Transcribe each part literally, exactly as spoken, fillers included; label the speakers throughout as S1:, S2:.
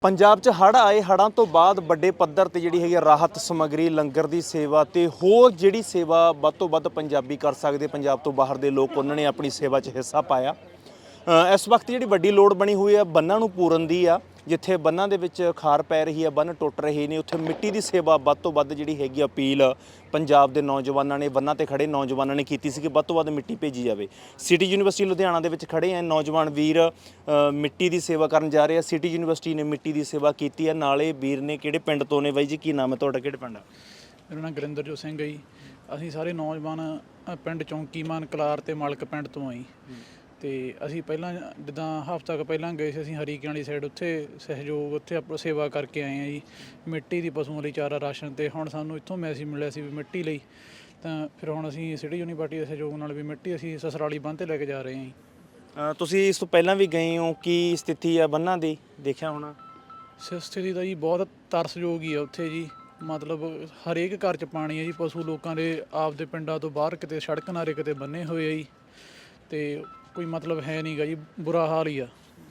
S1: ਪੰਜਾਬ 'ਚ ਹੜ੍ਹ ਆਏ ਹੜ੍ਹਾਂ ਤੋਂ ਬਾਅਦ ਵੱਡੇ ਪੱਧਰ ਤੇ ਜਿਹੜੀ ਹੈਗੀ ਰਾਹਤ ਸਮੱਗਰੀ ਲੰਗਰ ਦੀ ਸੇਵਾ ਤੇ ਹੋਰ ਜਿਹੜੀ ਸੇਵਾ ਵੱਧ ਤੋਂ ਵੱਧ ਪੰਜਾਬੀ ਕਰ ਸਕਦੇ ਪੰਜਾਬ ਤੋਂ ਬਾਹਰ ਦੇ ਲੋਕ ਉਹਨਾਂ ਨੇ ਆਪਣੀ ਸੇਵਾ 'ਚ ਹਿੱਸਾ ਪਾਇਆ। ਇਸ ਵਕਤ ਜਿਹੜੀ ਵੱਡੀ ਲੋੜ ਬਣੀ ਹੋਈ ਹੈ ਬੰਨਾਂ ਨੂੰ ਪੂਰਨ ਦੀ ਆ। ਜਿੱਥੇ ਬੰਨਾਂ ਦੇ ਵਿੱਚ ਖਾਰ ਪੈ ਰਹੀ ਹੈ, ਬੰਨ ਟੁੱਟ ਰਹੇ ਨੇ, ਉੱਥੇ ਮਿੱਟੀ ਦੀ ਸੇਵਾ ਵੱਧ ਤੋਂ ਵੱਧ ਜਿਹੜੀ ਹੈਗੀ ਅਪੀਲ ਪੰਜਾਬ ਦੇ ਨੌਜਵਾਨਾਂ ਨੇ, ਬੰਨਾਂ ਤੇ ਖੜੇ ਨੌਜਵਾਨਾਂ ਨੇ ਕੀਤੀ ਸੀ ਕਿ ਵੱਧ ਤੋਂ ਵੱਧ ਮਿੱਟੀ ਭੇਜੀ ਜਾਵੇ। ਸਿਟੀ ਯੂਨੀਵਰਸਿਟੀ ਲੁਧਿਆਣਾ ਦੇ ਵਿੱਚ ਖੜੇ ਆ ਨੌਜਵਾਨ ਵੀਰ ਮਿੱਟੀ ਦੀ ਸੇਵਾ ਕਰਨ ਜਾ ਰਹੇ ਆ। ਸਿਟੀ ਯੂਨੀਵਰਸਿਟੀ ਨੇ ਮਿੱਟੀ ਦੀ ਸੇਵਾ ਕੀਤੀ ਹੈ। ਨਾਲੇ ਵੀਰ ਨੇ ਕਿਹੜੇ ਪਿੰਡ ਤੋਂ ਨੇ ਬਾਈ ਜੀ, ਕੀ ਨਾਮ ਹੈ ਤੁਹਾਡਾ, ਕਿਹੜੇ ਪਿੰਡ ਆ?
S2: ਮੇਰਾ ਨਾਮ ਗੁਰਿੰਦਰਜੋਤ ਸਿੰਘ ਹੈ ਜੀ। ਅਸੀਂ ਸਾਰੇ ਨੌਜਵਾਨ ਪਿੰਡ ਚੌਂਕੀਮਾਨ ਕਲਾਰ ਤੇ ਮਾਲਕ ਪਿੰਡ ਤੋਂ ਆਈ ਤੇ ਅਸੀਂ ਪਹਿਲਾਂ ਜਿੱਦਾਂ ਹਫ਼ਤਾ ਕੁ ਪਹਿਲਾਂ ਗਏ ਸੀ ਅਸੀਂ ਹਰੀਕਿਆਂ ਵਾਲੀ ਸਾਈਡ, ਉੱਥੇ ਸਹਿਯੋਗ ਉੱਥੇ ਆਪਾਂ ਸੇਵਾ ਕਰਕੇ ਆਏ ਹਾਂ ਜੀ ਮਿੱਟੀ ਦੀ, ਪਸ਼ੂਆਂ ਲਈ ਚਾਰਾ, ਰਾਸ਼ਨ। ਤੇ ਹੁਣ ਸਾਨੂੰ ਇੱਥੋਂ ਮੈਸੇਜ ਮਿਲਿਆ ਸੀ ਵੀ ਮਿੱਟੀ ਲਈ, ਤਾਂ ਫਿਰ ਹੁਣ ਅਸੀਂ ਸਿਟੀ ਯੂਨੀਵਰਸਿਟੀ ਦੇ ਸਹਿਯੋਗ ਨਾਲ ਵੀ ਮਿੱਟੀ ਅਸੀਂ ਸਸਰਾਲੀ ਬੰਨ੍ਹ 'ਤੇ ਲੈ ਕੇ ਜਾ ਰਹੇ ਹਾਂ ਜੀ।
S1: ਤੁਸੀਂ ਇਸ ਤੋਂ ਪਹਿਲਾਂ ਵੀ ਗਏ ਹੋ, ਕੀ ਸਥਿਤੀ ਆ ਬੰਨਾਂ ਦੀ, ਦੇਖਿਆ ਹੋਣਾ?
S2: ਸਥਿਤੀ ਦਾ ਜੀ ਬਹੁਤ ਤਰਸਯੋਗ ਹੀ ਆ ਉੱਥੇ ਜੀ। ਮਤਲਬ ਹਰੇਕ ਘਰ 'ਚ ਪਾਣੀ ਹੈ ਜੀ। ਪਸ਼ੂ ਲੋਕਾਂ ਦੇ ਆਪਦੇ ਪਿੰਡਾਂ ਤੋਂ ਬਾਹਰ ਕਿਤੇ ਸੜਕ ਨਾਰੇ ਕਿਤੇ ਬੰਨੇ ਹੋਏ ਆ ਜੀ, ਤੇ ਕੋਈ ਮਤਲਬ ਹੈ ਨਹੀਂ ਗਾ ਜੀ, ਬੁਰਾ ਹਾਲ ਹੀ ਆ।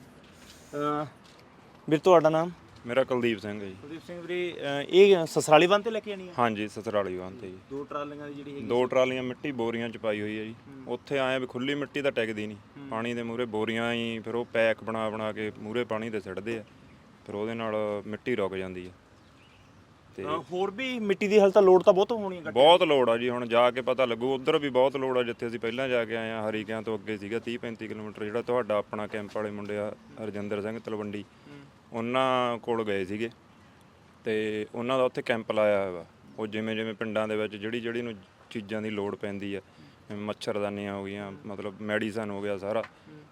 S1: ਵੀਰ ਤੁਹਾਡਾ ਨਾਮ?
S3: ਮੇਰਾ ਕੁਲਦੀਪ ਸਿੰਘ ਹੈ ਜੀ।
S1: ਕੁਲਦੀਪ ਸਿੰਘ ਵੀਰੇ, ਇਹ ਸਸਰਾਲੀ ਬੰਨ੍ਹ ਤੇ ਲੈ ਕੇ ਆਣੀ ਹੈ?
S3: ਹਾਂਜੀ, ਸਸਰਾਲੀ ਬੰਨ੍ਹ ਤੇ ਜੀ।
S1: ਦੋ ਟਰਾਲੀਆਂ ਦੀ ਜਿਹੜੀ ਹੈਗੀ,
S3: ਦੋ ਟਰਾਲੀਆਂ ਮਿੱਟੀ ਬੋਰੀਆਂ ਚ ਪਾਈ ਹੋਈ ਹੈ ਜੀ। ਉੱਥੇ ਆਏ ਵੀ ਖੁੱਲੀ ਮਿੱਟੀ ਤਾਂ ਟਿਕਦੀ ਨਹੀਂ, ਪਾਣੀ ਦੇ ਮੂਹਰੇ ਬੋਰੀਆਂ ਹੀ ਫਿਰ ਉਹ ਪੈਕ ਬਣਾ ਬਣਾ ਕੇ ਮੂਹਰੇ ਪਾਣੀ ਦੇ ਸਿੱਟਦੇ ਆ, ਫਿਰ ਉਹਦੇ ਨਾਲ ਮਿੱਟੀ ਰੁਕ ਜਾਂਦੀ ਹੈ। ਤੇ
S1: ਹੋਰ ਵੀ ਮਿੱਟੀ ਦੀ ਹਾਲ ਤਾਂ ਲੋੜ ਤਾਂ ਬਹੁਤ ਹੋਣੀ ਹੈ,
S3: ਬਹੁਤ ਲੋੜ ਆ ਜੀ। ਹੁਣ ਜਾ ਕੇ ਪਤਾ ਲੱਗੂ, ਉੱਧਰ ਵੀ ਬਹੁਤ ਲੋੜ ਆ ਜਿੱਥੇ ਅਸੀਂ ਪਹਿਲਾਂ ਜਾ ਕੇ ਆਏ ਆ। ਹਰੀਕਿਆਂ ਤੋਂ ਅੱਗੇ ਸੀਗਾ ਤੀਹ ਪੈਂਤੀ ਕਿਲੋਮੀਟਰ, ਜਿਹੜਾ ਤੁਹਾਡਾ ਆਪਣਾ ਕੈਂਪ ਵਾਲੇ ਮੁੰਡੇ ਆ ਹਰਜਿੰਦਰ ਸਿੰਘ ਤਲਵੰਡੀ, ਉਹਨਾਂ ਕੋਲ ਗਏ ਸੀਗੇ ਤੇ ਉਹਨਾਂ ਦਾ ਉੱਥੇ ਕੈਂਪ ਲਾਇਆ ਹੋਇਆ ਵਾ। ਉਹ ਜਿਵੇਂ ਜਿਵੇਂ ਪਿੰਡਾਂ ਦੇ ਵਿੱਚ ਜਿਹੜੀ ਜਿਹੜੀ ਨੂੰ ਚੀਜ਼ਾਂ ਦੀ ਲੋੜ ਪੈਂਦੀ ਆ, ਮੱਛਰਦਾਨੀਆਂ ਹੋ ਗਈਆਂ, ਮਤਲਬ ਮੈਡੀਸਨ ਹੋ ਗਿਆ ਸਾਰਾ,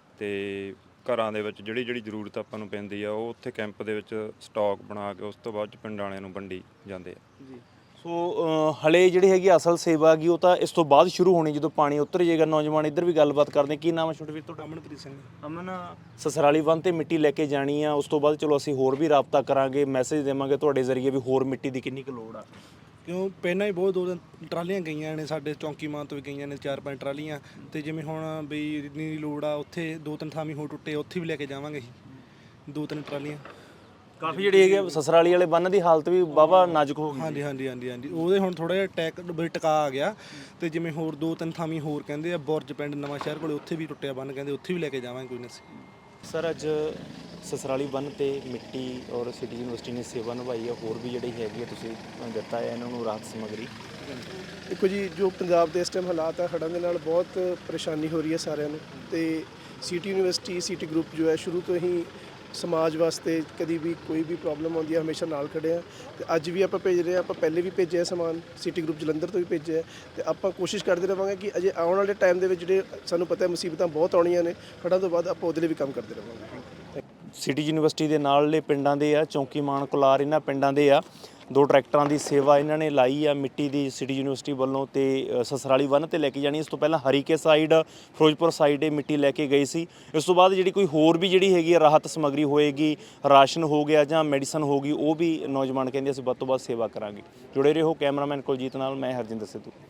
S3: ਤੇ ਘਰਾਂ ਦੇ ਵਿੱਚ ਜਿਹੜੀ ਜਿਹੜੀ ਜ਼ਰੂਰਤ ਆਪਾਂ ਨੂੰ ਪੈਂਦੀ ਆ, ਉਹ ਉੱਥੇ ਕੈਂਪ ਦੇ ਵਿੱਚ ਸਟਾਕ ਬਣਾ ਕੇ ਉਸ ਤੋਂ ਬਾਅਦ ਪਿੰਡਾਂ ਵਾਲਿਆਂ ਨੂੰ ਵੰਡੀ ਜਾਂਦੇ ਆ ਜੀ।
S1: ਸੋ ਹਲੇ ਜਿਹੜੀ ਹੈਗੀ ਅਸਲ ਸੇਵਾ ਹੈਗੀ ਉਹ ਤਾਂ ਇਸ ਤੋਂ ਬਾਅਦ ਸ਼ੁਰੂ ਹੋਣੀ, ਜਦੋਂ ਪਾਣੀ ਉਤਰ ਜਾਏਗਾ। ਨੌਜਵਾਨ ਇੱਧਰ ਵੀ ਗੱਲਬਾਤ ਕਰਦੇ। ਕੀ ਨਾਮ ਹੈ ਛੋਟੇ ਵੀਰ ਤੁਹਾਡਾ?
S4: ਅਮਨਪ੍ਰੀਤ ਸਿੰਘ।
S1: ਅਮਨ, ਸਸਰਾਲੀ ਬੰਨ੍ਹ ਤੇ ਮਿੱਟੀ ਲੈ ਕੇ ਜਾਣੀ ਆ, ਉਸ ਤੋਂ ਬਾਅਦ ਚਲੋ ਅਸੀਂ ਹੋਰ ਵੀ ਰਾਬਤਾ ਕਰਾਂਗੇ, ਮੈਸੇਜ ਦੇਵਾਂਗੇ ਤੁਹਾਡੇ ਜ਼ਰੀਏ ਵੀ ਹੋਰ ਮਿੱਟੀ ਦੀ ਕਿੰਨੀ ਕੁ ਲੋੜ ਆ।
S4: ਕਿਉਂ ਪਹਿਲਾਂ ਹੀ ਬਹੁਤ ਦੋ ਤਿੰਨ ਟਰਾਲੀਆਂ ਗਈਆਂ ਨੇ, ਸਾਡੇ ਚੌਂਕੀਮਾਨ ਤੋਂ ਵੀ ਗਈਆਂ ਨੇ ਚਾਰ ਪੰਜ ਟਰਾਲੀਆਂ, ਤੇ ਜਿਵੇਂ ਹੁਣ ਵੀ ਇੰਨੀ ਲੋੜ ਆ ਉੱਥੇ ਦੋ ਤਿੰਨ ਥਾਵੀਂ ਹੋਰ ਟੁੱਟੇ, ਉੱਥੇ ਵੀ ਲੈ ਕੇ ਜਾਵਾਂਗੇ ਅਸੀਂ ਦੋ ਤਿੰਨ ਟਰਾਲੀਆਂ।
S1: ਕਾਫੀ ਜਿਹੜੀ ਹੈਗੀ ਸਸਰਾਲੀ ਵਾਲੇ ਬੰਨ੍ਹ ਦੀ ਹਾਲਤ ਵੀ ਵਾਹਵਾ ਨਾਜ਼ੁਕ ਹੋ ਗਈ।
S4: ਹਾਂਜੀ ਹਾਂਜੀ ਹਾਂਜੀ ਹਾਂਜੀ ਉਹਦੇ ਹੁਣ ਥੋੜ੍ਹਾ ਜਿਹਾ ਟੈਕ ਬਈ ਟਿਕਾ ਆ ਗਿਆ, ਤੇ ਜਿਵੇਂ ਹੋਰ ਦੋ ਤਿੰਨ ਥਾਵੀਂ ਹੋਰ ਕਹਿੰਦੇ ਆ, ਬੁਰਜ ਪਿੰਡ ਨਵਾਂ ਸ਼ਹਿਰ ਕੋਲੇ ਉੱਥੇ ਵੀ ਟੁੱਟਿਆ ਬੰਨ੍ਹ, ਕਹਿੰਦੇ ਉੱਥੇ ਵੀ ਲੈ ਕੇ ਜਾਵਾਂਗੇ ਕੋਈ ਨਾ।
S1: ਸਰ, ਅੱਜ ਸਸਰਾਲੀ ਬੰਨ੍ਹ ਤੇ ਮਿੱਟੀ ਔਰ ਸਿਟੀ ਯੂਨੀਵਰਸਿਟੀ ਨੇ ਸੇਵਾ ਨਿਭਾਈ ਹੈ, ਹੋਰ ਵੀ ਜਿਹੜੀ ਹੈਗੀ ਹੈ ਤੁਸੀਂ ਦਿੱਤਾ ਹੈ ਇਹਨਾਂ ਨੂੰ ਰਾਹਤ ਸਮੱਗਰੀ।
S5: ਦੇਖੋ ਜੀ, ਜੋ ਪੰਜਾਬ ਦੇ ਇਸ ਟਾਈਮ ਹਾਲਾਤ ਹੈ, ਹੜ੍ਹਾਂ ਦੇ ਨਾਲ ਬਹੁਤ ਪਰੇਸ਼ਾਨੀ ਹੋ ਰਹੀ ਹੈ ਸਾਰਿਆਂ ਨੂੰ, ਤੇ ਸਿਟੀ ਯੂਨੀਵਰਸਿਟੀ ਸਿਟੀ ਗਰੁੱਪ ਜੋ ਹੈ ਸ਼ੁਰੂ ਤੋਂ ਹੀ ਸਮਾਜ ਵਾਸਤੇ ਕਦੀ ਵੀ ਕੋਈ ਵੀ ਪ੍ਰੋਬਲਮ ਆਉਂਦੀ ਹੈ ਹਮੇਸ਼ਾ ਨਾਲ ਖੜੇ ਆ। ਤੇ ਅੱਜ ਵੀ ਆਪਾਂ ਭੇਜ ਰਹੇ ਹਾਂ, ਆਪਾਂ ਪਹਿਲੇ ਵੀ ਭੇਜਿਆ ਸਮਾਨ, ਸਿਟੀ ਗਰੁੱਪ ਜਲੰਧਰ ਤੋਂ ਵੀ ਭੇਜਿਆ, ਤੇ ਆਪਾਂ ਕੋਸ਼ਿਸ਼ ਕਰਦੇ ਰਹਾਂਗੇ ਕਿ ਅਜੇ ਆਉਣ ਵਾਲੇ ਟਾਈਮ ਦੇ ਵਿੱਚ ਜਿਹੜੇ ਸਾਨੂੰ ਪਤਾ ਹੈ ਮੁਸੀਬਤਾਂ ਬਹੁਤ ਆਉਣੀਆਂ ਨੇ ਹੜ੍ਹਾਂ ਤੋਂ ਬਾਅਦ, ਆਪਾਂ ਉਹਦੇ ਲਈ ਵੀ ਕੰਮ ਕਰਦੇ ਰਹਾਂਗੇ।
S1: ਸਿਟੀ ਯੂਨੀਵਰਸਿਟੀ ਦੇ ਨਾਲਲੇ ਪਿੰਡਾਂ ਦੇ ਆ, ਚੌਂਕੀਮਾਨ ਕੁਲਾਰ, ਇਹਨਾਂ ਪਿੰਡਾਂ ਦੇ ਆ, ਦੋ ਟਰੈਕਟਰਾਂ ਦੀ ਸੇਵਾ ਇਹਨਾਂ ਨੇ ਲਾਈ ਆ ਮਿੱਟੀ ਦੀ ਸਿਟੀ ਯੂਨੀਵਰਸਿਟੀ ਵੱਲੋਂ, ਤੇ ਸਸਰਾਲੀ ਬੰਨ੍ਹ ਤੇ ਲੈ ਕੇ ਜਾਣੀ। ਇਸ ਤੋਂ ਪਹਿਲਾਂ ਹਰੀਕੇ ਸਾਈਡ, ਫਿਰੋਜ਼ਪੁਰ ਸਾਈਡ ਇਹ ਮਿੱਟੀ ਲੈ ਕੇ ਗਈ ਸੀ। ਇਸ ਤੋਂ ਬਾਅਦ ਜਿਹੜੀ ਕੋਈ ਹੋਰ ਵੀ ਜਿਹੜੀ ਹੈਗੀ ਆ ਰਾਹਤ ਸਮੱਗਰੀ ਹੋਏਗੀ, ਰਾਸ਼ਨ ਹੋ ਗਿਆ ਜਾਂ ਮੈਡੀਸਨ ਹੋ ਗਈ, ਉਹ ਵੀ ਨੌਜਵਾਨ ਕਹਿੰਦੇ ਅਸੀਂ ਵੱਧ ਤੋਂ ਵੱਧ ਸੇਵਾ ਕਰਾਂਗੇ। ਜੁੜੇ ਰਹੋ ਕੈਮਰਾਮੈਨ ਕੁਲਜੀਤ ਨਾਲ, ਮੈਂ ਹਰਜਿੰਦਰ ਸਿੱਧੂ।